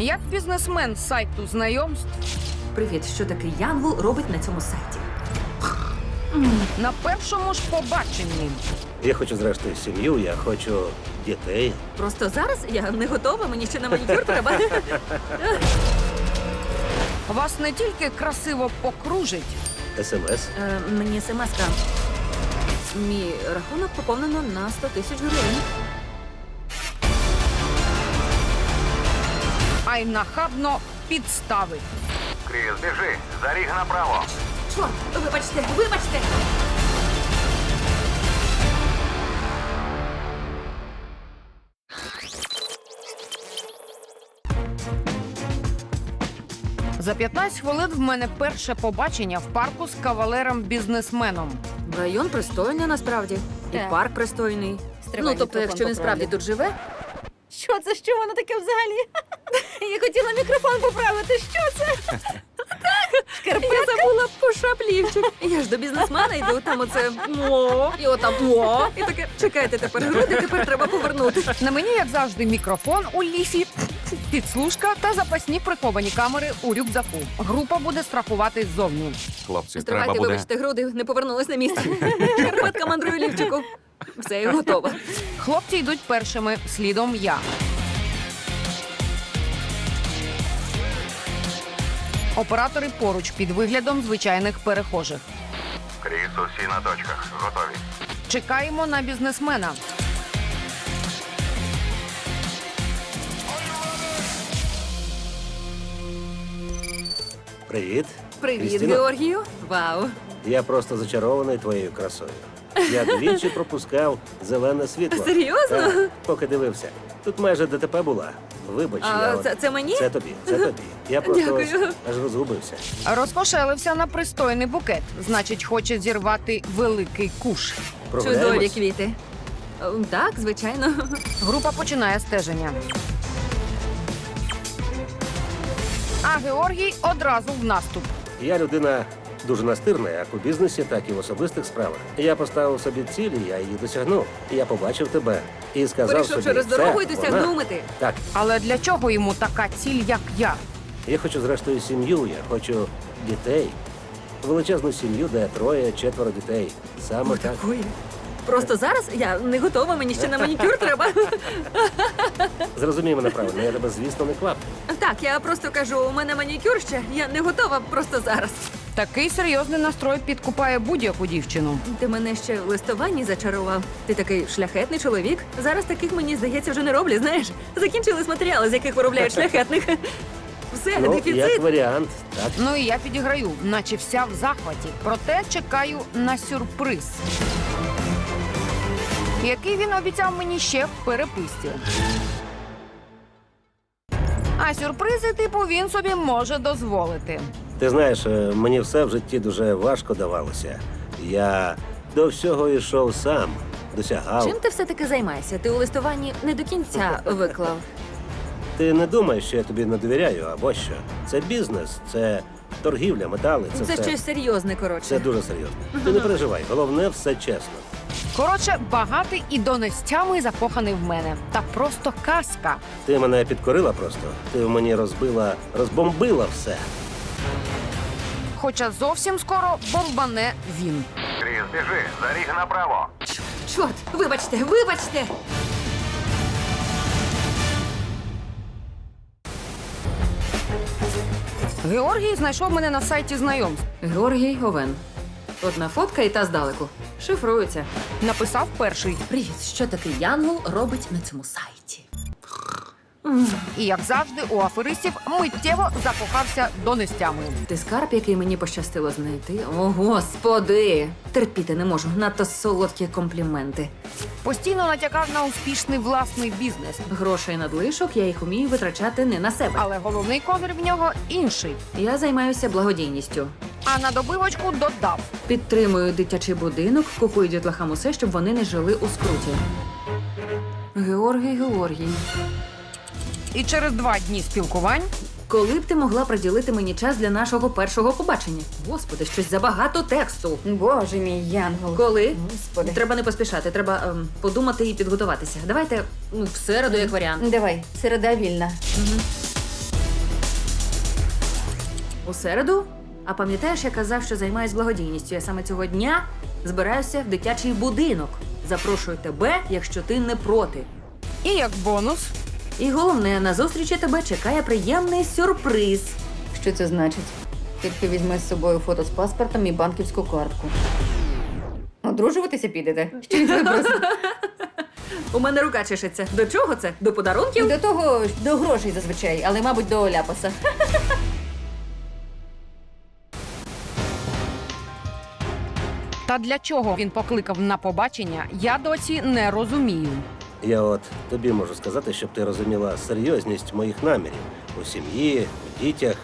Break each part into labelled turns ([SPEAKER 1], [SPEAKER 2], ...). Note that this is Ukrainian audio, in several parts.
[SPEAKER 1] Як бізнесмен з сайту знайомств,
[SPEAKER 2] Привіт, що такий Янгол робить на цьому сайті?
[SPEAKER 1] на першому ж побаченні.
[SPEAKER 3] Я хочу, зрештою, сім'ю, я хочу дітей.
[SPEAKER 2] Просто зараз я не готова, мені ще на манікюр треба.
[SPEAKER 1] Вас не тільки красиво покружить,
[SPEAKER 3] СМС.
[SPEAKER 2] Мені смс-ка. Мій рахунок поповнено на 100 тисяч гривень.
[SPEAKER 1] а й нахабно підставить.
[SPEAKER 4] Кріс, біжи, за ріг направо.
[SPEAKER 2] Чорт, вибачте, вибачте!
[SPEAKER 1] За 15 хвилин в мене перше побачення в парку з кавалером-бізнесменом.
[SPEAKER 2] Район пристойний насправді. І
[SPEAKER 5] Так.
[SPEAKER 2] парк пристойний.
[SPEAKER 5] Стривай,
[SPEAKER 2] Тобто,
[SPEAKER 5] мікрофон
[SPEAKER 2] якщо він справді
[SPEAKER 5] поправлю.
[SPEAKER 2] тут живе,
[SPEAKER 5] Що це? Що воно таке взагалі? Я хотіла мікрофон поправити. Що це?
[SPEAKER 2] я забула по шаплівчик. Я ж до бізнесмена йду, там оце «мо», і отам «мо». І таке, чекайте, тепер груди, тепер треба повернути.
[SPEAKER 1] На мені, як завжди, мікрофон у ліфі, підслужка та запасні приховані камери у рюкзаку. Група буде страхуватись ззовні.
[SPEAKER 6] Хлопці,
[SPEAKER 2] Стривайте,
[SPEAKER 6] треба буде.
[SPEAKER 2] вибачте, груди не повернулись на місце. Шкарпетка мандрує лівчику. Все, я готова.
[SPEAKER 1] Хлопці йдуть першими, слідом я. Оператори поруч під виглядом звичайних перехожих.
[SPEAKER 4] Кріс, усі на точках. Готові.
[SPEAKER 1] Чекаємо на бізнесмена.
[SPEAKER 3] Привіт.
[SPEAKER 2] Привіт,
[SPEAKER 3] Крістіно.
[SPEAKER 2] Георгію. Вау.
[SPEAKER 3] Я просто зачарований твоєю красою. Я двічі пропускав зелене світло.
[SPEAKER 2] Серйозно?
[SPEAKER 3] Так, поки дивився. Тут майже ДТП була. Вибач,
[SPEAKER 2] А,
[SPEAKER 3] я от-
[SPEAKER 2] це мені?
[SPEAKER 3] Це тобі, це тобі. Я просто
[SPEAKER 2] Дякую.
[SPEAKER 3] ось аж розгубився.
[SPEAKER 1] Розкошелився на пристойний букет. Значить, хоче зірвати великий куш.
[SPEAKER 2] Чудові
[SPEAKER 3] Прогуляємось?
[SPEAKER 2] квіти. Так, звичайно.
[SPEAKER 1] Група починає стеження. А Георгій одразу в наступ.
[SPEAKER 3] Я людина дуже настирна, як у бізнесі, так і в особистих справах. Я поставив собі цілі, я її досягнув. Я побачив тебе і сказав
[SPEAKER 2] Перейшов
[SPEAKER 3] собі,
[SPEAKER 2] через дорогу
[SPEAKER 3] «Це
[SPEAKER 2] і досягнув
[SPEAKER 3] вона».
[SPEAKER 2] мети.
[SPEAKER 3] Так,
[SPEAKER 1] Але для чого йому така ціль, як я?
[SPEAKER 3] я хочу, зрештою, сім'ю, я хочу дітей. Величезну сім'ю, де 3-4 дітей. Саме так.
[SPEAKER 2] Ой. Просто зараз я не готова, мені ще на манікюр треба.
[SPEAKER 3] Зрозумій мене правильно, я тебе, звісно, не кваплю.
[SPEAKER 2] Так, я просто кажу, у мене манікюр ще, я не готова просто зараз.
[SPEAKER 1] Такий серйозний настрой підкупає будь-яку дівчину.
[SPEAKER 2] Ти мене ще в листуванні зачарував. Ти такий шляхетний чоловік. Зараз таких, мені здається, вже не роблять, знаєш. Закінчились матеріали, з яких виробляють шляхетних. Все,
[SPEAKER 3] Ну,
[SPEAKER 2] дефіцит.
[SPEAKER 3] як варіант, так.
[SPEAKER 1] Ну і я підіграю, наче вся в захваті. Проте чекаю на сюрприз, який він обіцяв мені ще в переписці. А сюрпризи, типу, він собі може дозволити.
[SPEAKER 3] Ти знаєш, мені все в житті дуже важко давалося. Я до всього йшов сам, досягав.
[SPEAKER 2] Чим ти все-таки займаєшся? Ти у листуванні не до кінця виклав.
[SPEAKER 3] Ти не думаєш, що я тобі не довіряю, або що? Це бізнес, це торгівля, метали, це
[SPEAKER 2] Це
[SPEAKER 3] все.
[SPEAKER 2] щось серйозне, коротше.
[SPEAKER 3] Це дуже серйозно. Ти не переживай, головне все чесно.
[SPEAKER 1] Коротше, багатий і донестями закоханий в мене. Та просто казка.
[SPEAKER 3] Ти мене підкорила просто. Ти в мені розбомбила все.
[SPEAKER 1] Хоча зовсім скоро бомбане він.
[SPEAKER 4] Кріс, біжи, за ріг направо.
[SPEAKER 2] Чорт, вибачте, вибачте!
[SPEAKER 1] Георгій знайшов мене на сайті знайомств.
[SPEAKER 2] Георгій Овен. Одна фотка і та здалеку. Шифрується.
[SPEAKER 1] Написав перший.
[SPEAKER 2] Привіт, що такий Янгол робить на цьому сайті?
[SPEAKER 1] І, як завжди, у аферистів миттєво закохався донестями.
[SPEAKER 2] Ти скарб, який мені пощастило знайти? О, господи! Терпіти не можу, надто солодкі компліменти.
[SPEAKER 1] Постійно натякав на успішний власний бізнес.
[SPEAKER 2] Грошей надлишок, я їх умію витрачати не на себе.
[SPEAKER 1] Але головний козир в нього інший.
[SPEAKER 2] Я займаюся благодійністю.
[SPEAKER 1] А на добивочку додав.
[SPEAKER 2] Підтримую дитячий будинок, купую дітлахам усе, щоб вони не жили у скруті. Георгій.
[SPEAKER 1] І через 2 дні спілкувань
[SPEAKER 2] Коли б ти могла приділити мені час для нашого першого побачення? Господи, щось забагато тексту.
[SPEAKER 5] Боже мій Янгол.
[SPEAKER 2] Коли?
[SPEAKER 5] Господи.
[SPEAKER 2] Треба не поспішати, треба подумати і підготуватися. Давайте в середу, як варіант.
[SPEAKER 5] Давай, середа вільна.
[SPEAKER 2] У середу? А пам'ятаєш, я казав, що займаюсь благодійністю. Я саме цього дня збираюся в дитячий будинок. Запрошую тебе, якщо ти не проти.
[SPEAKER 1] І як бонус,
[SPEAKER 2] І головне, на зустрічі тебе чекає приємний сюрприз.
[SPEAKER 5] Що це значить? Тільки візьми з собою фото з паспортом і банківську картку. Одружуватися підете? Що він тебе просить?
[SPEAKER 2] У мене рука чешеться. До чого це? До подарунків?
[SPEAKER 5] До того, до грошей зазвичай, але, мабуть, до ляпаса.
[SPEAKER 1] та для чого він покликав на побачення, я досі не розумію.
[SPEAKER 3] Я от тобі можу сказати, щоб ти розуміла серйозність моїх намірів у сім'ї, у дітях.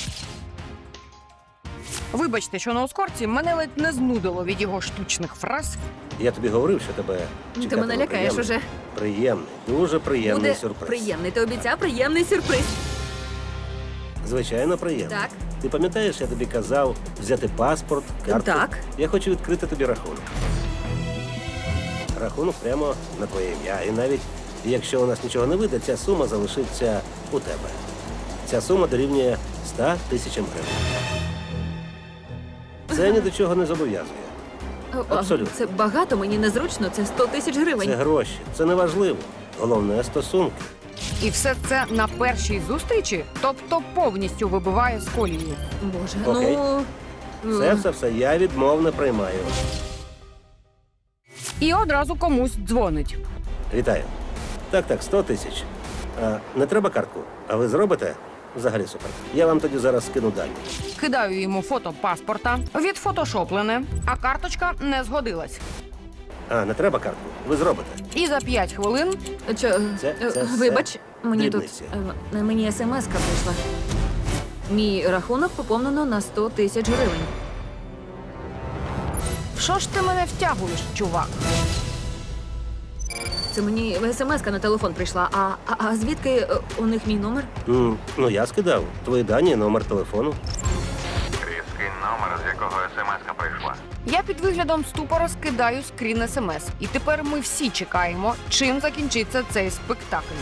[SPEAKER 1] Вибачте, що на ускорці мене ледь не знудило від його штучних фраз.
[SPEAKER 3] Я тобі говорив, що тебе
[SPEAKER 2] Ти
[SPEAKER 3] чекатиме
[SPEAKER 2] мене лякаєш
[SPEAKER 3] приємний,
[SPEAKER 2] уже.
[SPEAKER 3] Приємний, дуже приємний
[SPEAKER 2] Буде
[SPEAKER 3] сюрприз.
[SPEAKER 2] приємний. Ти обіцяв приємний сюрприз.
[SPEAKER 3] Звичайно, приємний.
[SPEAKER 2] Так.
[SPEAKER 3] Ти пам'ятаєш, я тобі казав взяти паспорт, карту?
[SPEAKER 2] Так.
[SPEAKER 3] Я хочу відкрити тобі рахунок. Рахунок прямо на твоє ім'я. І навіть якщо у нас нічого не вийде, ця сума залишиться у тебе. Ця сума дорівнює 100 тисячам гривень. Це ні до чого не зобов'язує. Абсолютно.
[SPEAKER 2] Це багато, мені незручно. Це 100 тисяч гривень.
[SPEAKER 3] Це гроші, це не важливо. Головне стосунки.
[SPEAKER 1] І все це на першій зустрічі, тобто повністю вибиває з колії.
[SPEAKER 2] Боже,
[SPEAKER 3] Окей.
[SPEAKER 2] ну.
[SPEAKER 3] Все, я відмов не приймаю.
[SPEAKER 1] І одразу комусь дзвонить.
[SPEAKER 3] Вітаю. Так, 100 тисяч. Не треба картку, а ви зробите? Взагалі супер. Я вам тоді зараз скину дані.
[SPEAKER 1] Кидаю йому фото паспорта, відфотошоплене, а карточка не згодилась.
[SPEAKER 3] Не треба картку, ви зробите.
[SPEAKER 1] І за 5 хвилин
[SPEAKER 3] Це
[SPEAKER 2] Вибач, мені
[SPEAKER 3] дрібниці.
[SPEAKER 2] тут мені смс-ка прийшла. Мій рахунок поповнено на 100 тисяч гривень.
[SPEAKER 1] що ж ти мене втягуєш, чувак?
[SPEAKER 2] Це мені смс-ка на телефон прийшла. А звідки у них мій номер?
[SPEAKER 3] Ну, я скидав. Твої дані, номер телефону.
[SPEAKER 4] Кріс, скинь номер, з якого смс-ка прийшла.
[SPEAKER 1] Я під виглядом ступора скидаю скрін смс. І тепер ми всі чекаємо, чим закінчиться цей спектакль.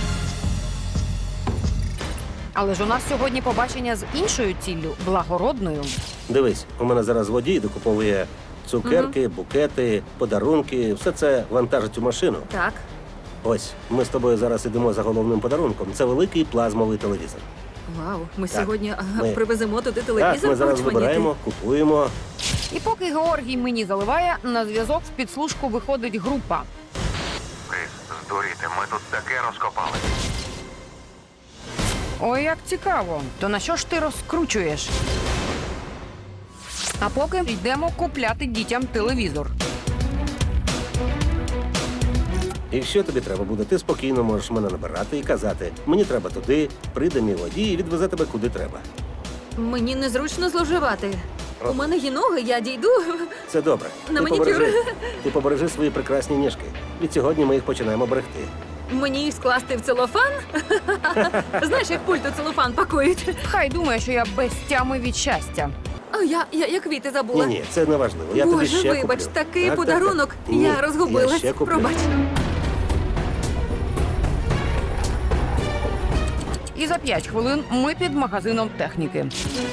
[SPEAKER 1] Але ж у нас сьогодні побачення з іншою ціллю – благородною.
[SPEAKER 3] Дивись, у мене зараз водій докуповує цукерки, букети, подарунки. Все це вантажить у машину.
[SPEAKER 2] Так.
[SPEAKER 3] Ось, ми з тобою зараз ідемо за головним подарунком. Це великий плазмовий телевізор.
[SPEAKER 2] Вау, ми
[SPEAKER 3] Так,
[SPEAKER 2] сьогодні
[SPEAKER 3] ми-
[SPEAKER 2] привеземо туди телевізор.
[SPEAKER 3] Так, ми зараз
[SPEAKER 2] почманіти.
[SPEAKER 3] вибираємо, купуємо.
[SPEAKER 1] І поки Георгій мені заливає, на зв'язок в підслужку виходить група.
[SPEAKER 4] Кріс, здуріти, ми тут таке розкопали.
[SPEAKER 1] Ой, як цікаво. То на що ж ти розкручуєш? А поки йдемо купляти дітям телевізор.
[SPEAKER 3] І що тобі треба буде? Ти спокійно можеш мене набирати і казати, мені треба туди, прийде мій водій і відвезе тебе куди треба.
[SPEAKER 2] Мені незручно зловживати. У мене є ноги, я дійду.
[SPEAKER 3] Це добре.
[SPEAKER 2] На манікюр.
[SPEAKER 3] Ти побережи свої прекрасні ніжки. Від сьогодні ми їх починаємо берегти.
[SPEAKER 2] Мені їх скласти в целофан? Знаєш, як пульт у целофан пакують.
[SPEAKER 1] Хай думає, що я без тями від щастя.
[SPEAKER 2] А я квіти забула.
[SPEAKER 3] Ні, це не важливо. Я тобі
[SPEAKER 2] Боже,
[SPEAKER 3] ще
[SPEAKER 2] вибач,
[SPEAKER 3] куплю.
[SPEAKER 2] такий
[SPEAKER 3] Так,
[SPEAKER 2] подарунок.
[SPEAKER 3] так. Ні,
[SPEAKER 2] Я розгубилась.
[SPEAKER 3] Я ще куплю.
[SPEAKER 2] Пробач.
[SPEAKER 1] І за 5 хвилин ми під магазином техніки.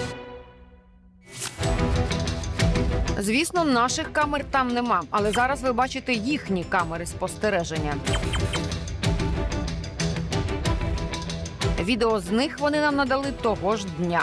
[SPEAKER 1] Звісно, наших камер там нема, але зараз ви бачите їхні камери спостереження. Відео з них вони нам надали того ж дня.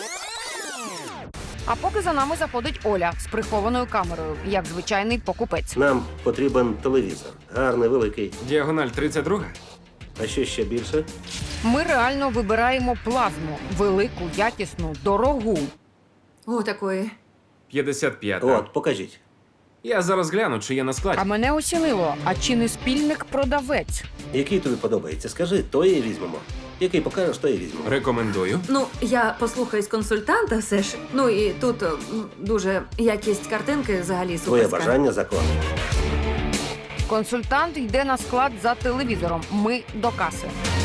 [SPEAKER 1] А поки за нами заходить Оля з прихованою камерою, як звичайний покупець.
[SPEAKER 3] Нам потрібен телевізор. Гарний, великий.
[SPEAKER 6] Діагональ 32?
[SPEAKER 3] А що ще більше?
[SPEAKER 1] Ми реально вибираємо плазму. Велику, якісну, дорогу.
[SPEAKER 2] О, такої.
[SPEAKER 6] 55.
[SPEAKER 3] От, покажіть.
[SPEAKER 6] Я зараз гляну, чи є на
[SPEAKER 1] А
[SPEAKER 6] складі.
[SPEAKER 1] мене осінило, а чи не спільник-продавець?
[SPEAKER 3] Який тобі подобається? Скажи, то і візьмемо. Який покажеш, то і візьмемо.
[SPEAKER 6] Рекомендую.
[SPEAKER 2] Ну, я послухаюсь консультанта все ж. Ну і тут дуже якість картинки взагалі
[SPEAKER 3] Твоє
[SPEAKER 2] суперська.
[SPEAKER 3] бажання закон.
[SPEAKER 1] Консультант йде на склад за телевізором. Ми до каси.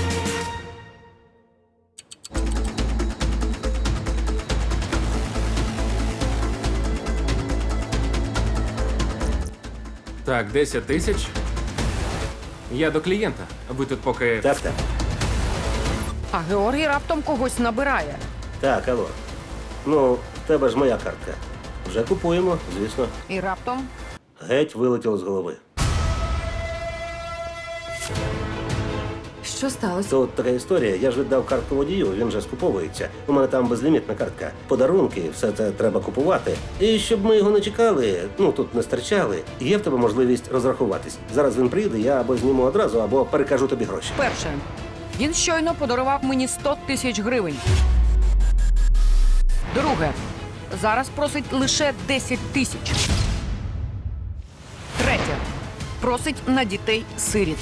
[SPEAKER 6] Так, 10 тисяч. Я до клієнта. Ви тут поки.
[SPEAKER 3] Так.
[SPEAKER 1] А Георгій раптом когось набирає.
[SPEAKER 3] Так, алло. Ну, в тебе ж моя картка. Вже купуємо, звісно.
[SPEAKER 1] І раптом
[SPEAKER 3] Геть вилетіло з голови.
[SPEAKER 5] Що сталося?
[SPEAKER 3] Тут така історія. Я ж віддав картку водію, він же скуповується. У мене там безлімітна картка. Подарунки, все це треба купувати. І щоб ми його не чекали, ну тут не стерчали, є в тебе можливість розрахуватись. Зараз він приїде, я або зніму одразу, або перекажу тобі гроші.
[SPEAKER 1] перше. Він щойно подарував мені 100 тисяч гривень. Друге. Зараз просить лише 10 тисяч. Третє. Просить на дітей-сиріт.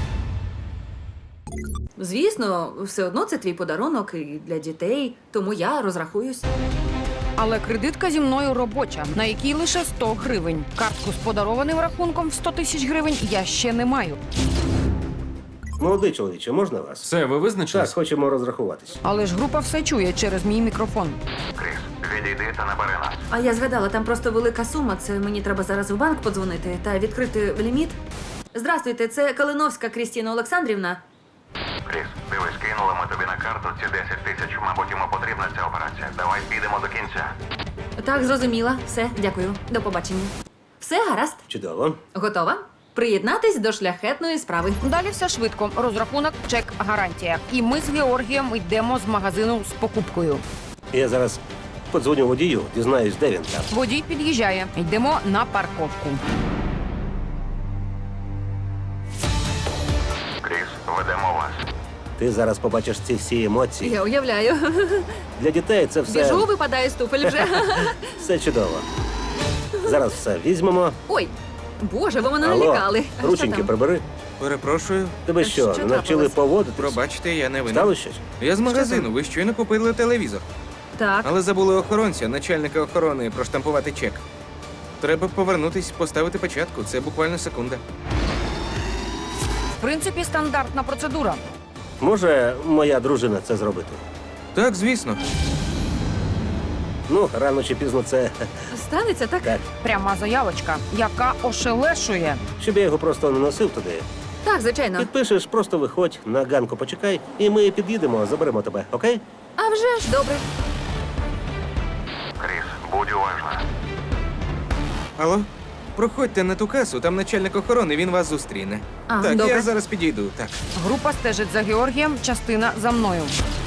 [SPEAKER 2] Звісно, все одно це твій подарунок і для дітей, тому я розрахуюсь.
[SPEAKER 1] Але кредитка зі мною робоча, на якій лише 100 гривень. Картку з подарованим рахунком в 100 тисяч гривень я ще не маю.
[SPEAKER 3] Молодий чоловіче, можна вас?
[SPEAKER 6] Все, ви
[SPEAKER 3] Так,
[SPEAKER 6] визначились?
[SPEAKER 3] хочемо розрахуватись.
[SPEAKER 1] Але ж група все чує через мій мікрофон.
[SPEAKER 4] Кріс, відійди та набери нас.
[SPEAKER 2] А я згадала, там просто велика сума. Це мені треба зараз в банк подзвонити та відкрити ліміт. Здрастуйте, це Калиновська Крістіна Олександрівна.
[SPEAKER 4] Кріс, дивись, кинули ми тобі на карту ці 10 тисяч. Мабуть, йому потрібна ця операція. Давай підемо до кінця.
[SPEAKER 2] Так, зрозуміла. Все, дякую. До побачення. Все, гаразд.
[SPEAKER 3] Чудово.
[SPEAKER 2] Готова? Приєднатись до шляхетної справи.
[SPEAKER 1] Далі все швидко. Розрахунок, чек, гарантія. І ми з Георгієм йдемо з магазину з покупкою.
[SPEAKER 3] Я зараз подзвоню водію, дізнаюсь, де він там.
[SPEAKER 1] Водій під'їжджає. Йдемо на парковку.
[SPEAKER 4] Кріс, ведемо вас.
[SPEAKER 3] Ти зараз побачиш ці всі емоції.
[SPEAKER 2] Я уявляю.
[SPEAKER 3] Для дітей це все,
[SPEAKER 2] Біжу, випадає з туфель вже.
[SPEAKER 3] все чудово. Зараз все візьмемо.
[SPEAKER 2] Ой, боже, ви мене
[SPEAKER 3] Алло,
[SPEAKER 2] налякали. А що
[SPEAKER 3] рученьки
[SPEAKER 2] там?
[SPEAKER 3] прибери.
[SPEAKER 7] Перепрошую,
[SPEAKER 3] Тебе
[SPEAKER 2] А
[SPEAKER 3] що,
[SPEAKER 2] що
[SPEAKER 3] не навчили
[SPEAKER 2] трапилось?
[SPEAKER 3] поводитись?
[SPEAKER 7] пробачте, я не винен.
[SPEAKER 3] Стало щось?
[SPEAKER 7] Я з магазину, ви щойно купили телевізор.
[SPEAKER 2] Так.
[SPEAKER 7] Але забули охоронця, начальника охорони, проштампувати чек. Треба повернутись, поставити печатку. Це буквально секунда.
[SPEAKER 1] В принципі, стандартна процедура.
[SPEAKER 3] Може, моя дружина це зробити?
[SPEAKER 7] Так, звісно.
[SPEAKER 3] Ну, рано чи пізно це
[SPEAKER 2] Станеться так?
[SPEAKER 3] так.
[SPEAKER 1] Пряма заявочка, яка ошелешує.
[SPEAKER 3] Щоб я його просто не носив туди.
[SPEAKER 2] Так, звичайно.
[SPEAKER 3] Підпишеш, просто виходь, на ганку почекай, і ми під'їдемо, заберемо тебе, окей?
[SPEAKER 2] А вже ж, добре.
[SPEAKER 4] Кріс, будь уважна.
[SPEAKER 7] Алло? Проходьте на ту касу, там начальник охорони, він вас зустріне.
[SPEAKER 2] А,
[SPEAKER 7] так,
[SPEAKER 2] добре.
[SPEAKER 7] я зараз підійду. Так.
[SPEAKER 1] Група стежить за Георгієм, частина за мною.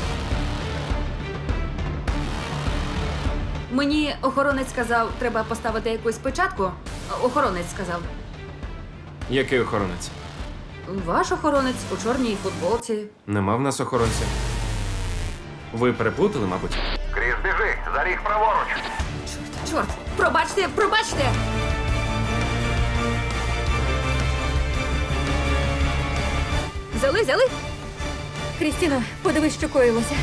[SPEAKER 2] Мені охоронець сказав, треба поставити якусь печатку. Охоронець сказав.
[SPEAKER 6] Який охоронець?
[SPEAKER 2] Ваш охоронець у чорній футболці.
[SPEAKER 6] Нема в нас охоронця. Ви переплутали, мабуть?
[SPEAKER 4] Кріс, біжи, за ріг праворуч.
[SPEAKER 2] Чорт, пробачте, пробачте! Взяли?
[SPEAKER 5] Крістіна, подивись, що коїлося.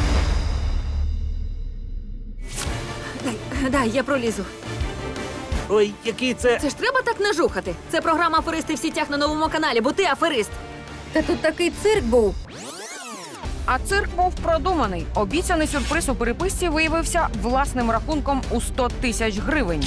[SPEAKER 2] Дай, я пролізу.
[SPEAKER 3] Ой, який це.
[SPEAKER 2] Це ж треба так нажухати. Це програма «Аферисти в сітях» на новому каналі, бо ти аферист.
[SPEAKER 5] Та тут такий цирк був.
[SPEAKER 1] А цирк був продуманий. Обіцяний сюрприз у переписці виявився власним рахунком у 100 тисяч гривень.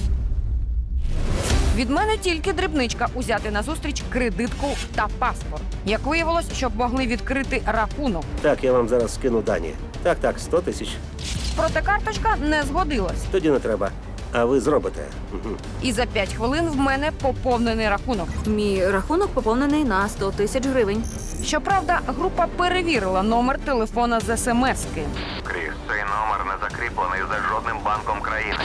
[SPEAKER 1] Від мене тільки дрібничка узяти назустріч кредитку та паспорт. Як виявилось, щоб могли відкрити рахунок.
[SPEAKER 3] Так, я вам зараз скину дані. Так, 100 тисяч.
[SPEAKER 1] Проте карточка не згодилась.
[SPEAKER 3] Тоді не треба. А ви зробите. Угу.
[SPEAKER 1] І за 5 хвилин в мене поповнений рахунок.
[SPEAKER 2] Мій рахунок поповнений на 100 тисяч гривень.
[SPEAKER 1] Щоправда, група перевірила номер телефона з смс-ки.
[SPEAKER 4] Кріс, цей номер не закріплений за жодним банком країни.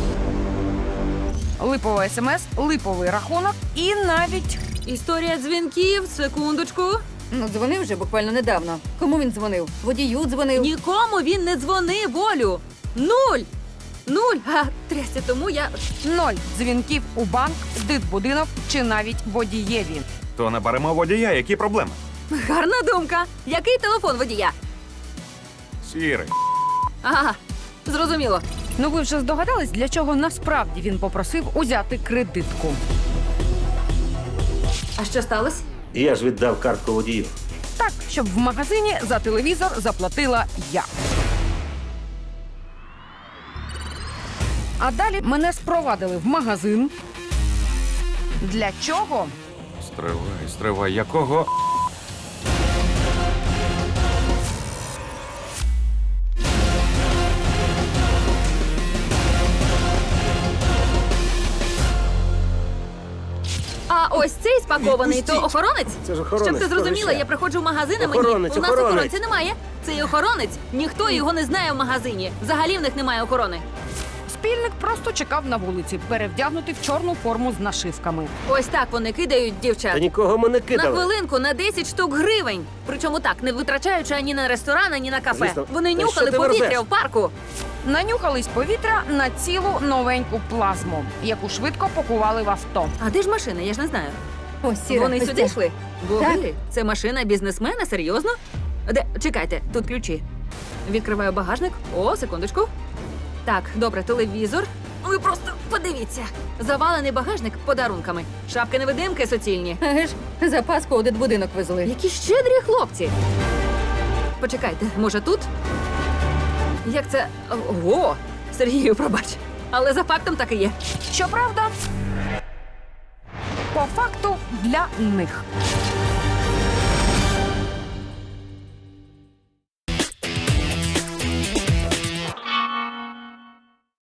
[SPEAKER 1] Липова смс, липовий рахунок і навіть
[SPEAKER 2] Історія дзвінків, секундочку.
[SPEAKER 5] Ну, дзвонив вже буквально недавно. Кому він дзвонив? Водію дзвонив.
[SPEAKER 2] Нікому він не дзвонив, Волю. Нуль. А трясся, тому я...
[SPEAKER 1] 0 дзвінків у банк, дитбудинок чи навіть водієві.
[SPEAKER 8] То наберемо водія, які проблеми?
[SPEAKER 2] Гарна думка. Який телефон водія?
[SPEAKER 8] Сірий.
[SPEAKER 2] Ага, зрозуміло.
[SPEAKER 1] Ну ви вже здогадались, для чого насправді він попросив узяти кредитку.
[SPEAKER 2] А що сталося?
[SPEAKER 3] Я ж віддав картку водію.
[SPEAKER 1] Так, щоб в магазині за телевізор заплатила я. А далі мене спровадили в магазин. Для чого?
[SPEAKER 6] Стривай, якого?
[SPEAKER 2] цей спакований, то
[SPEAKER 3] Відпустіть!
[SPEAKER 2] охоронець?
[SPEAKER 3] Це ж охоронець.
[SPEAKER 2] Щоб ти зрозуміла,
[SPEAKER 3] сховища.
[SPEAKER 2] я приходжу в магазин, а
[SPEAKER 3] Охоронець,
[SPEAKER 2] мені у нас
[SPEAKER 3] охоронець.
[SPEAKER 2] охоронця немає. Цей охоронець, ніхто його не знає в магазині. Взагалі в них немає охорони.
[SPEAKER 1] Спільник просто чекав на вулиці, перевдягнутий в чорну форму з нашивками.
[SPEAKER 2] Ось так вони кидають
[SPEAKER 3] Та
[SPEAKER 2] дівчат.
[SPEAKER 3] нікого ми не
[SPEAKER 2] На
[SPEAKER 3] кидали.
[SPEAKER 2] хвилинку на 10 штук гривень. Причому так, не витрачаючи ані на ресторан, ані на кафе.
[SPEAKER 3] Звісно.
[SPEAKER 2] Вони
[SPEAKER 3] Та
[SPEAKER 2] нюхали
[SPEAKER 3] що ти
[SPEAKER 2] повітря
[SPEAKER 3] верзеш?
[SPEAKER 2] в парку.
[SPEAKER 1] Нанюхались повітря на цілу новеньку плазму, яку швидко пакували в авто.
[SPEAKER 2] А де ж машина? Я ж не знаю.
[SPEAKER 5] Ось сіра.
[SPEAKER 2] Вони
[SPEAKER 5] ось
[SPEAKER 2] сюди
[SPEAKER 5] ця.
[SPEAKER 2] йшли? Боги, це машина бізнесмена? Серйозно? Де? Чекайте, тут ключі. Відкриваю багажник. О, секундочку. Так, добре, телевізор. Ви просто подивіться. Завалений багажник подарунками. Шапки-невидимки суцільні.
[SPEAKER 5] Еге ж, за Пасху у дитбудинок везли.
[SPEAKER 2] Які щедрі хлопці. Почекайте, може тут? Як це. Ого! Сергію, пробач. Але за фактом так і є.
[SPEAKER 1] Щоправда, по факту для них.